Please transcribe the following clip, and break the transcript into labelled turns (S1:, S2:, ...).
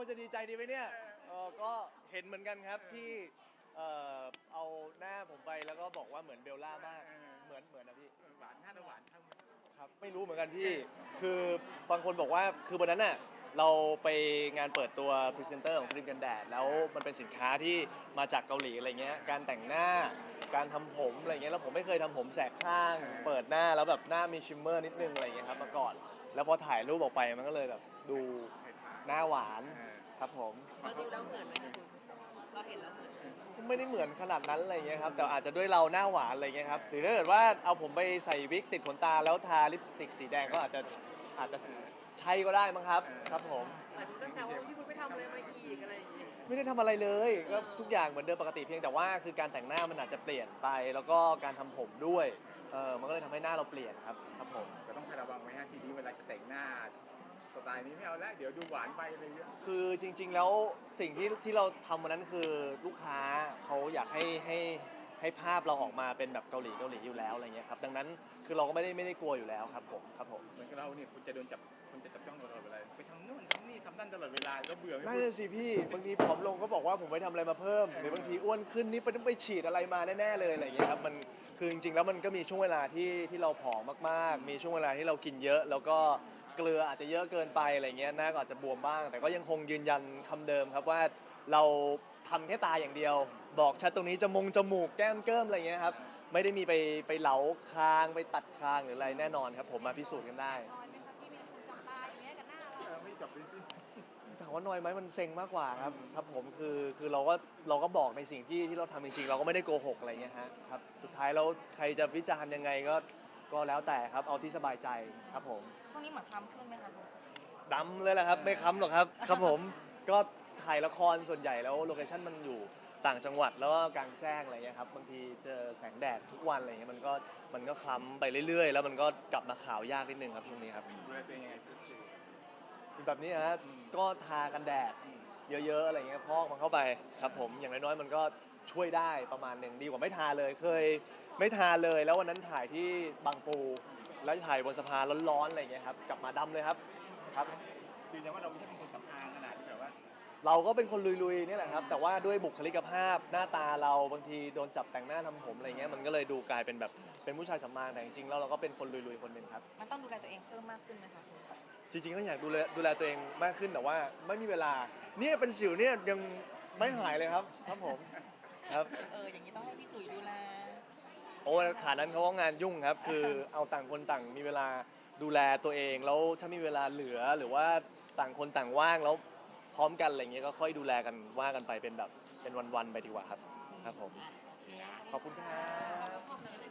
S1: คนจะดีใจดีไหมเนี่ยก็เห็นเหมือนกันครับที่เอาหน้าผมไปแล้วก็บอกว่าเหมือนเบลล่ามากเหมือนนะพี่
S2: หวานหน้าหวานเท่า
S1: ครับไม่รู้เหมือนกันพี่คือบางคนบอกว่าคือวันนั้นน่ะเราไปงานเปิดตัวพรีเซนเตอร์ของครีมกันแดดแล้วมันเป็นสินค้าที่มาจากเกาหลีอะไรเงี้ยการแต่งหน้าการทำผมอะไรเงี้ยแล้วผมไม่เคยทำผมแสกข้างเปิดหน้าแล้วแบบหน้ามีชิมเมอร์นิดนึงอะไรเงี้ยครับมาก่อนแล้วพอถ่ายรูปออกไปมันก็เลยแบบดูหน้าหวานครับผม
S3: เราดูแล้วเหมือนไหมคะคุณเราเห็นแล้วเหมือนไหม
S1: ไม่ได้เหมือนขนาดนั้นอะไรเงี้ยครับแต่อาจจะด้วยเราหน้าหวานอะไรเงี้ยครับหรือถ้าเกิดว่าเอาผมไปใส่วิกติดขนตาแล้วทาลิปสติกสีแดงก็อาจจะใช่ก็ได้มั้งครับครับผม
S3: หลายคนก็แซวว่าพี่คุณไปทำอะไรมาอีกอะไรอย่างงี้
S1: ไม่ได้ทำอะไรเลยก็ทุกอย่างเหมือนเดิมปกติเพียงแต่ว่าคือการแต่งหน้ามันอาจจะเปลี่ยนไปแล้วก็การทำผมด้วยมันก็เลยทำให้หน้าเราเปลี่ยนครับผม
S2: ก็ต้องระวังไว้ฮะทีนี้เวลาจะแต่งหน้าสไตล์นี้ไม่เอาแล้วเดี๋ยวดูหวานไปอะไรเงี้ย
S1: คือจริงๆแล้วสิ่งที่เราทำวันนั้นคือลูกค้าเขาอยากให้ภาพเราออกมาเป็นแบบเกาหลีอยู่แล้วอะไรเงี้ยครับดังนั้นคือเราก็ไม่ได้กลัวอยู่แล้วครับผม
S2: เหมือนกับเราเนี่ยคุณจะโดนจับคุณจะจับจ้องเราตลอดเวลาไปทำนู่นทำนี่ทำนั่นตลอดเวลาก็เบื่อไม่
S1: นั่
S2: พูด
S1: นสิพี่บางทีผอมลงก็บอกว่าผมไปทำอะไรมาเพิ่มหรือบางทีอ้วนขึ้นนี่ต้องไปฉีดอะไรมาแน่ๆเลยอะไรเงี้ยครับมันคือจริงๆแล้วมันก็มีช่วงเวลาที่เราผอมมากๆมีช่วงเวลาที่เรากินเยอะแล้วก็เกลืออาจจะเยอะเกินไปอะไรเงี้ยหน้าก็อาจจะบวมบ้างแต่ก็ยังคงยืนยันคำเดิมครับว่าเราทำแค่ตาอย่างเดียวบอกชัดตรงนี้จมูกแก้มเกิ้มอะไรเงี้ยครับไม่ได้มีไปเหลาคางไปตัดคางหรืออะไรแน่นอนครับผมมาพิสูจน์กันได้
S3: น้อยไหมคะพี่มีคนจับตาอย่างเงี้ยกับหน้าเรา
S2: ไม่จับเลยสิ
S1: ถามว่าน้อยไหมมันเซ็งมากกว่าครับผมคือเราก็บอกในสิ่งที่เราทำจริงๆเราก็ไม่ได้โกหกอะไรเงี้ยฮะครับสุดท้ายแล้วใครจะวิจารณ์ยังไงก็แล้วแต่ครับเอาที่สบายใจครับผม
S3: ช่วงนี้เหมือนคล้ำขึ้นไหมคะคุณ
S1: ดำเลยแหละครับไม่ค้ำหรอกครับครับผมก็ถ่ายละครส่วนใหญ่แล้วโลเคชั่นมันอยู่ต่างจังหวัดแล้วก็กลางแจ้งอะไรเงี้ยครับบางทีเจอแสงแดดทุกวันอะไรเงี้ยมันก็คล้ำไปเรื่อยๆแล้วมันก็กลับมาขาวยากนิดนึงครับช่วงนี้ครับ
S2: ดูแลตัวเองยังไงคือ
S1: แบบนี้ฮะก็ทากันแดดเยอะๆอะไรเงี้ยพอกมันเข้าไปครับผมอย่างน้อยๆมันก็ช่วยได้ประมาณหนึ่งดีกว่าไม่ทาเลยเคยไม่ทาเลยแล้ววันนั้นถ่ายที่บางปูแล้วถ่ายบนสะพานร้อนๆอะไรเงี้ยครับกลับมาดำเลยครับครับ
S2: ยืนยันว่าเราไม่ใช่เป็นคนสำอางขนาดที่แบบว่า
S1: เราก็เป็นคนลุยๆนี่แหละครับแต่ว่าด้วยบุคลิกภาพหน้าตาเราบางทีโดนจับแต่งหน้าทำผมอะไรเงี้ยมันก็เลยดูกลายเป็นแบบเป็นผู้ชายสำอางแต่จริงๆแล้วเราก็เป็นคนลุยๆคนหนึ่งครับ
S3: มันต้องดูแลตัวเองเพิ่มมากขึ้นไหมคะ
S1: จริงๆก็อยากดูแลตัวเองมากขึ้นแต่ว่าไม่มีเวลาเนี่ยเป็นสิวเนี่ยยังไม่หายเลยครับผมครับ
S3: อย่างนี้ต้องให้พี่ตุ๋ยดูแล
S1: โอ้ขานั้นเขาก็งานยุ่งครับคือเอาต่างคนต่างมีเวลาดูแลตัวเองแล้วถ้ามีเวลาเหลือหรือว่าต่างคนต่างว่างแล้วพร้อมกันอะไรเงี้ยก็ค่อยดูแลกันว่ากันไปเป็นแบบเป็นวันๆไปดีกว่าครับครับผมขอบคุณครับ